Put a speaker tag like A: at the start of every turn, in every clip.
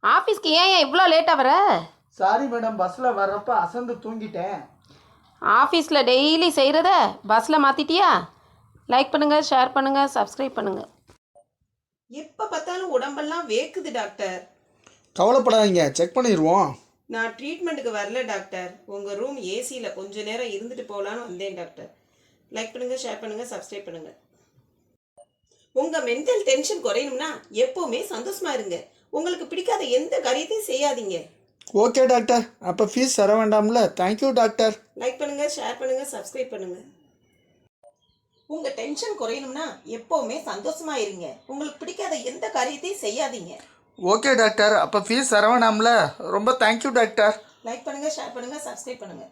A: ஆஃபீஸ்க்கு ஏன் இவ்வளோ லேட்டாக வர?
B: சாரி மேடம், பஸ்ஸில் வர்றப்ப அசந்து தூங்கிட்டேன்.
A: ஆஃபீஸில் டெய்லி செய்கிறத பஸ்ஸில் மாற்றிட்டியா? லைக் பண்ணுங்கள், ஷேர் பண்ணுங்கள், சப்ஸ்கிரைப் பண்ணுங்கள்.
C: எப்போ பார்த்தாலும் உடம்பெல்லாம் வேக்குது டாக்டர்.
B: கவலைப்படாதீங்க, செக் பண்ணிடுவோம்.
C: நான் ட்ரீட்மெண்ட்டுக்கு வரல டாக்டர். உங்கள் ரூம் ஏசியில் கொஞ்ச நேரம் இருந்துட்டு போகலான்னு வந்தேன் டாக்டர். லைக் பண்ணுங்கள், ஷேர் பண்ணுங்கள், சப்ஸ்கிரைப் பண்ணுங்கள். உங்கள் மென்டல் டென்ஷன் குறையணும்னா எப்போவுமே சந்தோஷமாக இருங்க. உங்களுக்கு பிடிக்காத எந்த காரியத்தையும் செய்யாதீங்க.
B: ஓகே டாக்டர், அப்போ ஃபீஸ் தர வேண்டாம்ல? Thank you doctor.
C: லைக் பண்ணுங்கள், ஷேர் பண்ணுங்கள், சப்ஸ்கிரைப் பண்ணுங்கள். உங்கள் டென்ஷன் குறையணும்னா எப்போவுமே சந்தோஷமாக இருங்க. உங்களுக்கு பிடிக்காத எந்த காரியத்தையும் செய்யாதீங்க.
B: ஓகே டாக்டர், அப்போ ஃபீஸ் தர வேண்டாம்ல? ரொம்ப தேங்க்யூ டாக்டர்.
C: லைக் பண்ணுங்கள், ஷேர் பண்ணுங்கள், சப்ஸ்கிரைப் பண்ணுங்கள்.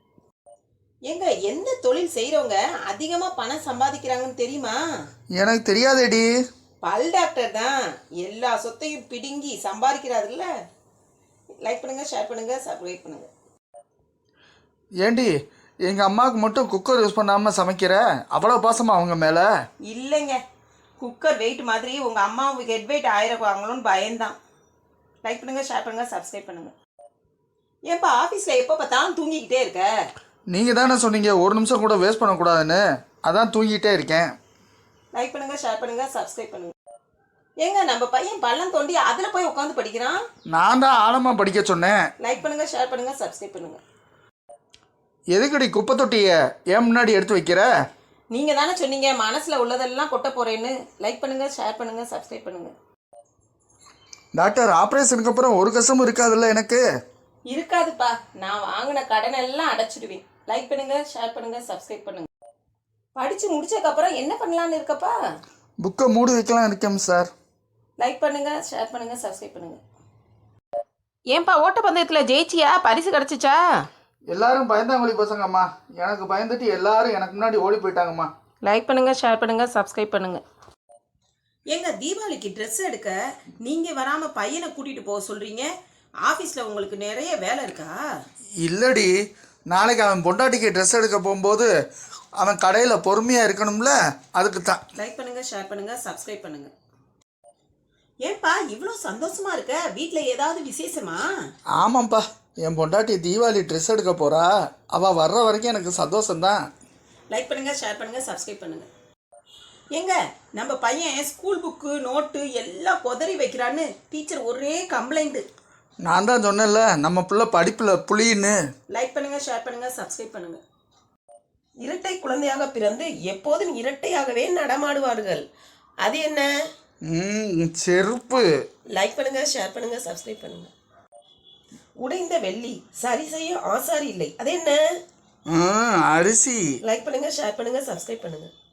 C: எங்க எந்த தொழில் செய்கிறவங்க அதிகமாக பணம் சம்பாதிக்கிறாங்கன்னு தெரியுமா?
B: எனக்கு தெரியாதேடி.
C: பல் டாக்டர் தான் எல்லா சொத்தையும் பிடுங்கி சம்பாதிக்கிறாருல்ல. லைக் பண்ணுங்கள், ஷேர் பண்ணுங்கள், சப்ஸ்கிரைப் பண்ணுங்கள்.
B: ஏண்டி, எங்கள் அம்மாவுக்கு மட்டும் குக்கர் யூஸ் பண்ணாமல் சமைக்கிற? அவ்வளோ பாசமா அவங்க மேலே?
C: இல்லைங்க, குக்கர் வெயிட் மாதிரி உங்கள் அம்மாவுக்கு ஹெட் வெயிட் ஆயிரக்குவாங்களோன்னு பயந்தான். லைக் பண்ணுங்கள், ஷேர் பண்ணுங்கள், சப்ஸ்கிரைப் பண்ணுங்கள். ஏன்ப்பா ஆஃபீஸில் எப்போ பார்த்தாலும் தூங்கிக்கிட்டே இருக்க?
B: நீங்கள் தானே சொன்னீங்க ஒரு நிமிஷம் கூட வேஸ்ட் பண்ணக்கூடாதுன்னு, அதான் தூங்கிட்டே இருக்கேன்.
C: லைக் பண்ணுங்கள், ஷேர் பண்ணுங்கள், சப்ஸ்கிரைப் பண்ணுங்கள். ஏங்க நம்ம பையன் பள்ளம் தோண்டி அதில் போய் உட்காந்து படிக்கிறான்.
B: நான் தான் ஆழமாக படிக்க சொன்னேன்.
C: லைக் பண்ணுங்கள், ஷேர் பண்ணுங்கள், சப்ஸ்கிரைப் பண்ணுங்கள்.
B: எதுக்கடி குப்பை தொட்டியை ஏன் முன்னாடி எடுத்து வைக்கிற?
C: நீங்கள் தானே சொன்னீங்க மனசில் உள்ளதெல்லாம் கொட்ட போகிறேன்னு. லைக் பண்ணுங்கள், ஷேர் பண்ணுங்கள், சப்ஸ்கிரைப் பண்ணுங்கள்.
B: டாக்டர், ஆப்ரேஷனுக்கு அப்புறம் ஒரு கஷ்டமும் இருக்காதுல்ல எனக்கு?
C: இருக்காதுப்பா, நான் வாங்கின கடனை எல்லாம் அடைச்சிடுவேன். லைக் பண்ணுங்கள், ஷேர் பண்ணுங்கள், சப்ஸ்கிரைப் பண்ணுங்கள். படித்து முடிச்சதுக்கப்புறம் என்ன பண்ணலான்னு இருக்கப்பா?
B: புக்கை மூடி வைக்கலாம் இருக்கேன் சார்.
C: லைக் பண்ணுங்கள், ஷேர் பண்ணுங்கள், சப்ஸ்கிரைப் பண்ணுங்கள்.
A: ஏன்பா ஓட்டப்பந்தயத்தில் ஜெயிச்சியா? பரிசு கிடச்சிச்சா?
B: எல்லாரும் பயந்தாங்கொழி பசங்கம்மா. எனக்கு பயந்துட்டு எல்லாரும் எனக்கு முன்னாடி ஓடி போயிட்டாங்கம்மா.
A: லைக் பண்ணுங்கள், ஷேர் பண்ணுங்கள், சப்ஸ்கிரைப் பண்ணுங்கள்.
C: எங்க தீபாவளிக்கு ட்ரெஸ் எடுக்க நீங்கள் வராமல் பையனை கூட்டிகிட்டு போக சொல்கிறீங்க. ஆஃபீஸில் உங்களுக்கு நிறைய வேலை இருக்கா?
B: இல்லடி, நாளைக்கு அவன் பொண்டாட்டிக்கு ட்ரெஸ் எடுக்க போகும்போது அவன் கடையில் பொறுமையாக இருக்கணும்ல, அதுக்கு தான்.
C: லைக் பண்ணுங்கள், ஷேர் பண்ணுங்கள், சப்ஸ்கிரைப் பண்ணுங்கள். ஏன்பா இவ்வளோ சந்தோஷமா இருக்க? வீட்டில் ஏதாவது விசேஷமா?
B: ஆமாம்ப்பா, என் பொண்டாட்டி தீபாவளி ட்ரெஸ் எடுக்க போகிறா. அவள் வர்ற வரைக்கும் எனக்கு சந்தோஷம்தான்.
C: லைக் பண்ணுங்கள், ஷேர் பண்ணுங்கள், சப்ஸ்கிரைப் பண்ணுங்கள். ஏங்க நம்ம பையன் ஸ்கூல் புக்கு நோட்டு எல்லாம் கொதறி வைக்கிறான்னு டீச்சர் ஒரே கம்ப்ளைண்ட்டு.
B: நான் தான் சொன்னேன்ல, நம்ம பிள்ளை படிப்பில் புளின்னு.
C: லைக் பண்ணுங்கள், ஷேர் பண்ணுங்கள், சப்ஸ்கிரைப் பண்ணுங்கள். இரட்டை குழந்தையாக பிறந்து எப்போதும் இரட்டையாகவே நடமாடுவார்கள். அது என்ன?
B: செருப்பு.
C: லைக் பண்ணுங்கள், ஷேர் பண்ணுங்கள், சப்ஸ்கிரைப் பண்ணுங்கள். உடைந்த வெள்ளி சரி செய்ய ஆசாரி இல்லை. அது என்ன?
B: அரிசி.
C: லைக் பண்ணுங்கள், ஷேர் பண்ணுங்கள், சப்ஸ்கிரைப் பண்ணுங்கள்.